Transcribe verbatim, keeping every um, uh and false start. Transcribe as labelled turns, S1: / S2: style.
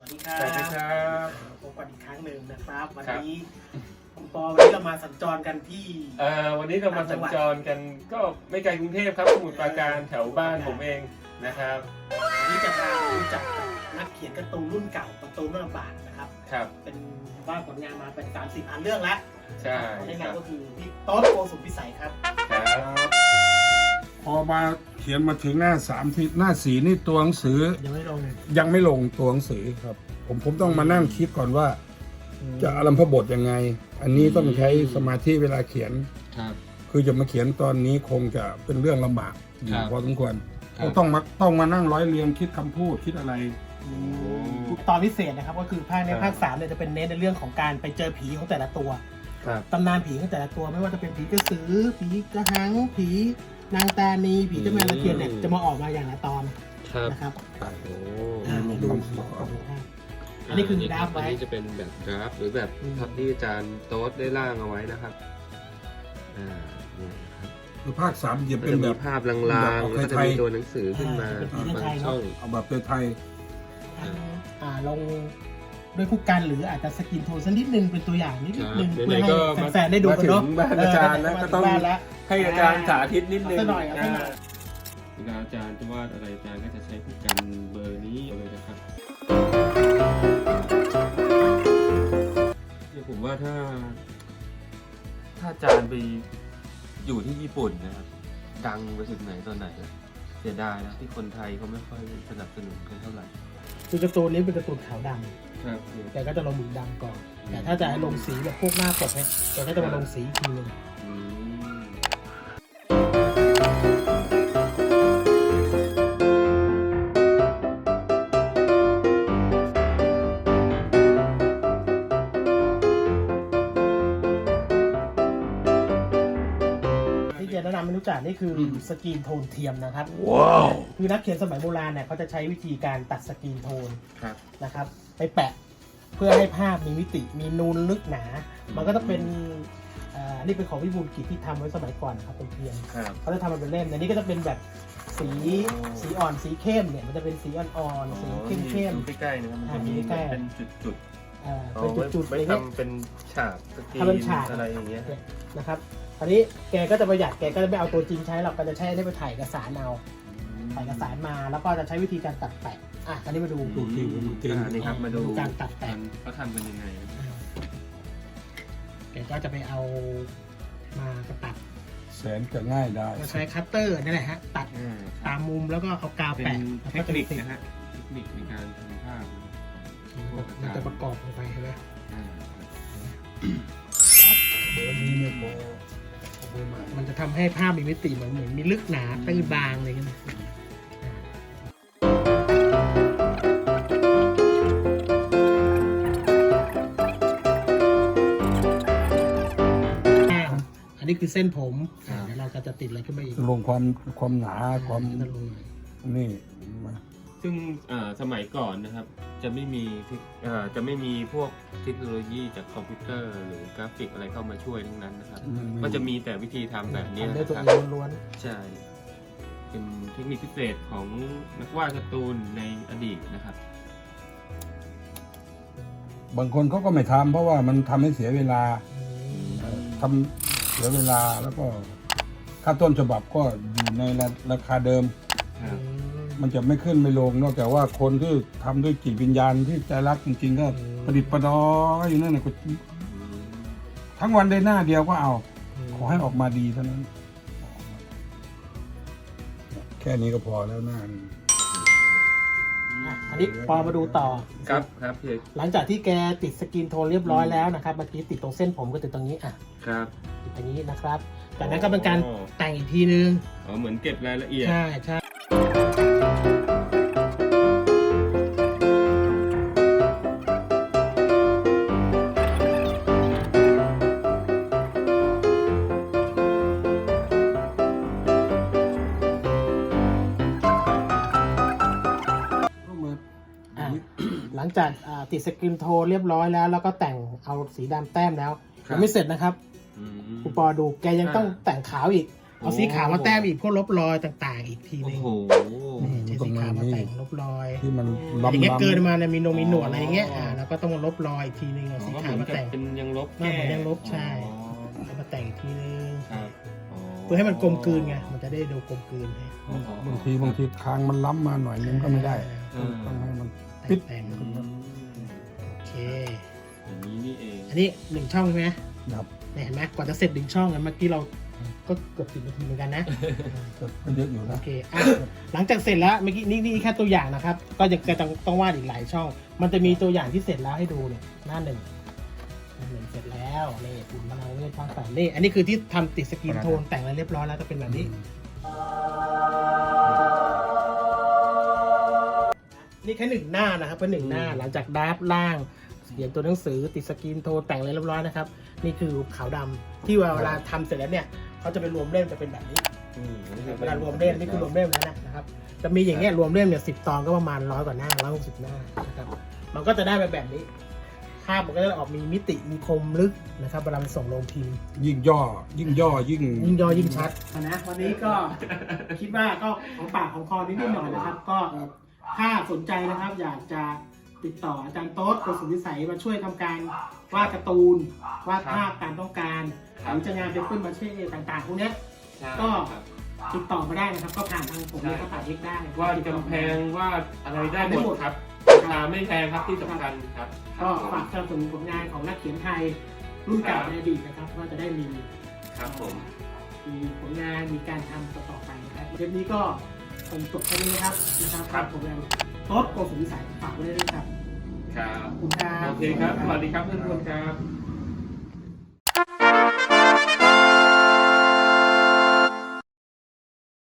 S1: วัสดีครับ
S2: สวัสดีครับ
S1: พบกันอีกครั้งหนึ่งนะครับวันนี้คุณปอวันนี้เรามาสัญจรกันที่
S2: เอ่อวันนี้เรามาสัญจรกันก็ไม่ไกลกรุงเทพครับสมุทรปราการแถวบ้านผมเองนะครับ
S1: วันนี้จะพารู้จักกับนักเขียนการ์ตูนรุ่นเก่าการ์ตูนเมื่อบาทนะครับ
S2: ครับ
S1: เป็นว่าผลงานมาเป็นสามสิบอันเรื่องแล้ว
S2: ใช่
S1: ใน
S2: ค
S1: งา
S2: รั
S1: น
S2: บ
S1: ก็คือพี่โต๊ดโกสุมพิสัยครับ
S2: ครับ
S3: พอมาเขียนมาถึงหน้าสามที่หน้าสีนี่ตัวหนังสือ
S1: ยังไม่ลง
S3: ยังไม่ลงตัวหนังสือครับ ผมผมต้องมานั่งคิดก่อนว่า จะอารัมพบทยังไง อันนี้ต้องใช้สมาธิเวลาเขียน
S2: ครับ
S3: คือจะมาเขียนตอนนี้คงจะเป็นเรื่องลำบากอยู่
S2: ครับ
S3: พอสมควร
S2: ครับ
S3: ต้องมาต้องมานั่งร้อยเรียงคิดคำพูดคิดอะไร
S1: ตอนพิเศษนะครับก็คือภาคในภาคสามเนี่ยจะเป็นเน้นในเรื่องของการไปเจอผีของแต่ละตัว
S2: ครับ
S1: ตำนานผีของแต่ละตัวไม่ว่าจะเป็นผีกระสือ ผีกระหัง ผีนางตานี ผีเจ้าแม่ตะเคียนเนี่ยจะมาออกมาอย่างละตอน
S4: ครับ
S1: นะครับ
S4: โอ้
S1: อ่า
S3: ลง
S1: ดู
S3: คำพูด
S1: ขอดูให้อันนี้คือดราฟไว้
S4: อันนี้จะเป็นแบบดราฟหรือแบบ
S1: อืม
S4: ทับที่อาจารย์โต๊ดได้ร่างเอาไว้นะครับ อ่าเนี่ยครับ
S3: คือภาคสามจะ
S4: ก็
S3: เป็น
S4: จะ
S3: แบ
S4: มี
S3: บ
S4: ภาพลางๆแล้วก็จะมีตัวหนังสือขึ้นมา
S1: อ่าเป็นผี
S4: บา
S1: ไท
S4: ง
S1: ยเนอะ
S4: ช่อง
S3: เอาแบบไทย
S1: อ่าลงด้วยผู้กันหรืออาจจะสกินโทนสักนิดนึงเป็นตัวอย่างนิด
S4: ครับ
S1: นึง
S2: ไหนๆ
S1: เพื่อให้
S2: ก็มา
S1: แฟนๆได้ดูกันเนาะ
S2: มาถึงบ้านอาจารย์นะ
S1: เ
S2: ก็ต้อง
S1: มาถึบ้านแล้ว
S2: ให้อาจารย์สาธิตนิดนึง
S1: เอาซะหน่อยเอาซะหน่อย
S2: เวลาอาจารย์จะวาดอะไรอาจารย์ก็จะใช้ผู้กันเบอร์นี้เลยนะครับเนี่ยผมว่าถ้า ถ้าอาจารย์ไปอยู่ที่ญี่ปุ่นนะครับ ดังไปถึงไหนตอนไหนอะเสียดายนะที่คนไทยเขาไม่ค่อยสนับสนุนกันเท่าไหร่
S1: คือการ์ตูนนี้เป็นการ์ตูนขาวด
S2: ครับ
S1: ำแกก็จะลงหมึกดำก่อน แต่ถ้าจะให้ลงสีแบบพวกหน้าปกเนี่ยแกก็จะมาลงสีอีกทีนึง
S2: อืม
S1: ที่จะแนะนำให้รู้จักนี่คืออสกรีนโทนเทียมนะครับ
S3: ว้าว
S1: คือนักเขียนสมัยโบราณเนี่ยเขาจะใช้วิธีการตัดสกรีนโทน
S2: ครับ
S1: นะครับไปแปะเพื่อให้ภาพมีมิติมีนูนลึกหนา มันก็ต้องเป็นอ่านี่เป็นของวิบูลย์กิจที่ทำไว้สมัยก่อนนะครับเป็นเทียม
S2: ครับ
S1: เขาจะทำมันเป็นเล่มในนี้ก็จะเป็นแบบสีสีอ่อนสีเข้มเนี่ยมันจะเป็นสีอ่อนๆสีเข้มเข้ม
S2: ดูใกล้ๆนะครับมันจะมี
S1: อ่าดูใกล้ๆ
S2: เป็นจุด
S1: ๆอ่า
S2: ๆ
S1: เป็นจุดๆ
S2: ไว้
S1: อะไรเงี้ย
S2: ทำเป็นฉากสกรี
S1: ทำเป็นฉาก
S2: อะไรอย่างเงี้ย
S1: นะครับอันนี้แกก็จะประหยัดแกก็จะไม่เอาตัวจริงใช้หรอกก็จะใช้ได้ไปถ่ายเอกสารเอาถ่ายเอกสารมาแล้วก็จะใช้วิธีการตัดแปะอ่ะอันนี้มาดู
S2: ดูจริงดูจริงอ่านี่ครับมาดู
S1: การตัดแต่ง
S2: เขาทำกันยังไง
S1: แกก็จะไปเอามากระตัด
S3: แสนจะง่ายได้
S1: ก็ใช้คัตเตอร์นี่แหละฮะตัด
S2: อ่า
S1: ตามมุมแล้วก็เอากาว
S2: เป็น
S1: แปะ
S2: เทคนิคนะฮะเทคนิคในการทำภาพนะครับ
S1: มันจะประกอบลงไปใช่ไหม
S2: อ่า
S3: เบอร์นี้ไม่พอ
S1: มันจะทำให้ภาพมีมิติเหมือนเหมือนมีลึกหนาตื้นบางอะไรเงี้ยอ่าอันนี้คือเส้นผมอ่าเดี๋ยวเราก็จะติดอะไรขึ้นมาอีก
S3: ลงความความหนาความ
S1: จะลงหน่อย
S3: นี่มา
S2: ซึ่งอ่าสมัยก่อนนะครับ จะไม่มีเทคอ่าจะไม่มีพวกเทคโนโลยีจากคอมพิวเตอร์ หรือกราฟิกอะไรเข้ามาช่วยทั้งนั้นนะครับ ก็จะมีแต่วิธีทำแบบนี้
S1: ทำ
S2: นะ
S1: ด้วยตัว
S2: ค
S1: เอ
S2: รับ
S1: งล้วน
S2: ใช่ เป็นเทคนิคพิเศษของนักวาดการ์ตูนในอดีตนะครับ
S3: บางคนเขาก็ไม่ทำเพราะว่ามันทำให้เสียเวลา
S1: ๆ
S3: เอ่อทำเสียเวลาแล้วก็ค่าต้นฉบับก็อยู่ในราราคาเดิม
S2: ครับ
S3: มันจะไม่ขึ้นไม่ลง นอกจากว่าคนที่ทำด้วยจิตวิญญาณที่ใจรักจริงๆ ก็ประดิษฐ์ประดอยอยู่นั่นนะก็ทั้งวันได้หน้าเดียวก็เอา ขอให้ออกมาดีเท่านั้น แค่นี้ก็พอแล้วหน้านี่
S1: อ่ะอันนี้ปอมาดูต่อ
S2: ครับครับพี่
S1: หลังจากที่แกติดสกินโทนเรียบร้อยแล้วนะครับเมื่อกี้ติดตรงเส้นผมก็ติดตรงนี้อ่ะ
S2: ครับ
S1: ติดตรงนี้นะครับจากนั้นก็เป็นการ
S2: อ๋อ
S1: แต่งอีกทีนึง
S2: อ๋อเหมือนเก็บรายละเอียด
S1: ใช่ใช่อ่ะหลังจากอ่าติดสกินโทนเรียบร้อยแล้ว แล้วก็แต่งเอาสีดำแต้มแล้ว
S2: ครับ
S1: ยังไม่เสร็จนะครับ
S2: อืม
S1: คุณปอดูแกยังต้องแต่งขาวอีกเอาสีขาวมาแต้มอีกพวกลบรอยต่างๆ อีกที
S2: โอ้
S1: นึง
S2: โห
S1: นี่ใช้สีขาวมาแต่งลบรอย
S3: ที่มัน
S1: อ
S3: ล้ำ
S1: ย่างเงี้ย
S3: ล้ำ
S1: เกินมาเนี่ยมีนงมีหนวดอะไรอย่างเงี้ยอ่าแล้วก็ต้องมาลบรอยอีกทีนึงเอาสี
S2: ก็เห
S1: ขาว
S2: มือน
S1: มา
S2: กับ
S1: แต่ง
S2: เป็นยังลบ
S1: ไม่เหมือนยังลบใช่
S2: อ๋อ
S1: เอามาแต่งอีกทีนึง
S2: ครับอ๋อ
S1: เพื่อให้มันกลมกลืนไงมันจะได้ดูกลมกลืนให้
S2: อ๋ออ๋อบ
S3: างทีบางทีคางมันล้ำมาหน่อยนึงก็ไม่ได้
S2: เออ
S3: ต้องให้มันปิด
S1: แต่ง
S2: อืม
S1: โอเค
S2: อย่างนี้นี่เอง
S1: อันนี้หนึ่งช่องใช่ไหม
S3: ครับ
S1: เนี่ยเห็นไหมกว่าจะเสร็จหนึ่งช่องกันเมื่อกี้เราก็เกือบสิบนาทีเหมือนกันนะ
S3: ก็เยอะอยู่
S1: โอ
S3: นะ
S1: เคอ่ะหลังจากเสร็จแล้วเมื่อกี้นี่นี่แค่ตัวอย่างนะครับ ก็ยังจะต้องต้องวาดอีกหลายช่อง มันจะมีตัวอย่างที่เสร็จแล้วให้ดูเนี่ยหน้าหนึ่งหน้าหนึ่งเสร็จแล้วนี่ปุ่มพลังเวทภาคสามนี่อันนี้คือที่ทำติดสกรีนโทนแต่งอะไรเรียบร้อยแล้วจะเป็นแบบนี้ นี่แค่หนึ่งหน้านะครับเป็นหนึ่งหน้าหลังจากดราฟล่างเขียนตัวหนังสือติดสกรีนโทนแต่งอะไรเรียบร้อยนะครับนี่คือขาวดำที่เวลาทำเสร็จแล้วเนี่ยเขาจะไปรวมเล่มจะเป็นแบบนี้
S2: อืมอันนี้คือ
S1: เวลารวมเล่มนี่คือรวมเล่มแล้วนะนะครับจะมีอย่างเงี้ยรวมเล่มเนี่ยสิบตอนก็ประมาณร้อยกว่าหน้าร้อยหกสิบหน้านะครับมันก็จะได้แบบแบบนี้ภาพมันก็จะออกมีมิติมีคมลึกนะครับเวลามันส่งลงพิมพ์
S3: ยิ่งย่อ ยิ่งย่อยิ่ง
S1: ยิ่งย่อยิ่งชัดนะวันนี้ก็ คิดว่าก็ของปากของคอนิดๆหน่อยนะครับ ก็ถ้าสนใจนะครับ อยากจะติดต่ออาจารย์โต๊ดโกสุวิสัยมาช่วยทำการวาดการ์ตูนวาดภาพตามต้องการหรือจะงานเป็นขึ้นมาเช่ต่างๆพวกเนี้ย
S2: ใช่
S1: ก็
S2: ครับ
S1: ติดต่อมาได้นะครับ ก็ผ่านทางผมและกระต่ายเอกได้
S2: วาดกำแพงวาดอะไรได้หมดครับราคาไม่แพงครับที่สำคัญครับ
S1: ก็ฝากสนับสนุนผลงานของนักเขียนไทยรุ่นเก่าในอดีตนะครับว่าจะได้มี
S2: ครับผม
S1: มีผลงานมีการทำต่อๆไปนะครับเทปนี้ก็คงจบแค่นี้นะครับนะครับผมยังโต๊ดโกสุวิสัยฝากไว้ด้วยนะครับ
S2: ครับ
S1: ขอบคุณครับ
S2: โอเคครับ สวัสดีครับเพื่อนๆครับ